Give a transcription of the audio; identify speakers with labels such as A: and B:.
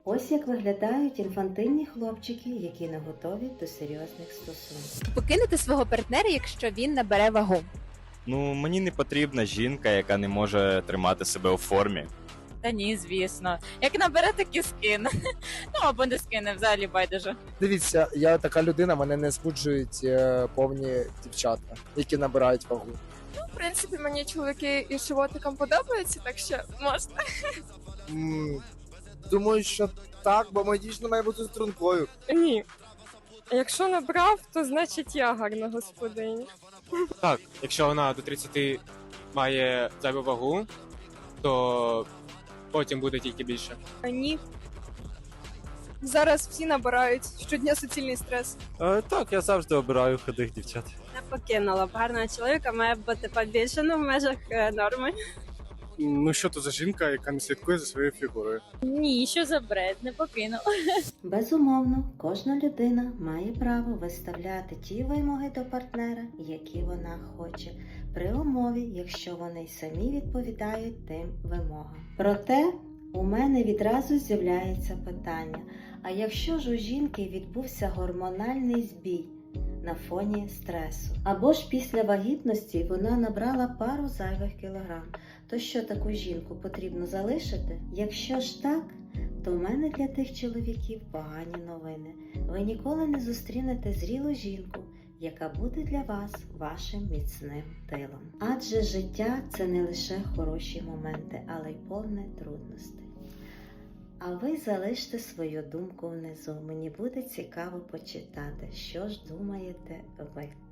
A: Ось як виглядають інфантильні хлопчики, які не готові до серйозних стосунків.
B: Покинути свого партнера, якщо він набере вагу.
C: Ну, мені не потрібна жінка, яка не може тримати себе у формі.
D: Та ні, звісно. Як набере, так і скине. Ну або не скине, взагалі байдуже.
E: Дивіться, я така людина, мене не збуджують повні дівчата, які набирають вагу.
F: В принципі, мені чоловіки із животиком подобаються, так що можна.
E: Думаю, що так, бо моя дівчина має бути стрункою.
F: Ні. Якщо набрав, то значить я гарна господиня.
G: Так, якщо вона до 30 має зайву вагу, то потім буде тільки більше.
F: Ні. Зараз всі набирають щодня суцільний стрес.
H: Так, я завжди обираю худих дівчат.
I: Не покинула б. Гарного чоловіка має бути побільше, в межах норми.
G: Ну що то за жінка, яка не слідкує за своєю фігурою?
D: Ні, що за бред, не покинув.
A: Безумовно, кожна людина має право виставляти ті вимоги до партнера, які вона хоче, при умові, якщо вони й самі відповідають тим вимогам. Проте, у мене відразу з'являється питання, а якщо ж у жінки відбувся гормональний збій на фоні стресу, або ж після вагітності вона набрала пару зайвих кілограм, то що таку жінку потрібно залишити? Якщо ж так, то в мене для тих чоловіків погані новини. Ви ніколи не зустрінете зрілу жінку, яка буде для вас вашим міцним тилом. Адже життя – це не лише хороші моменти, але й повне трудностей. А ви залиште свою думку внизу. Мені буде цікаво почитати, що ж думаєте ви.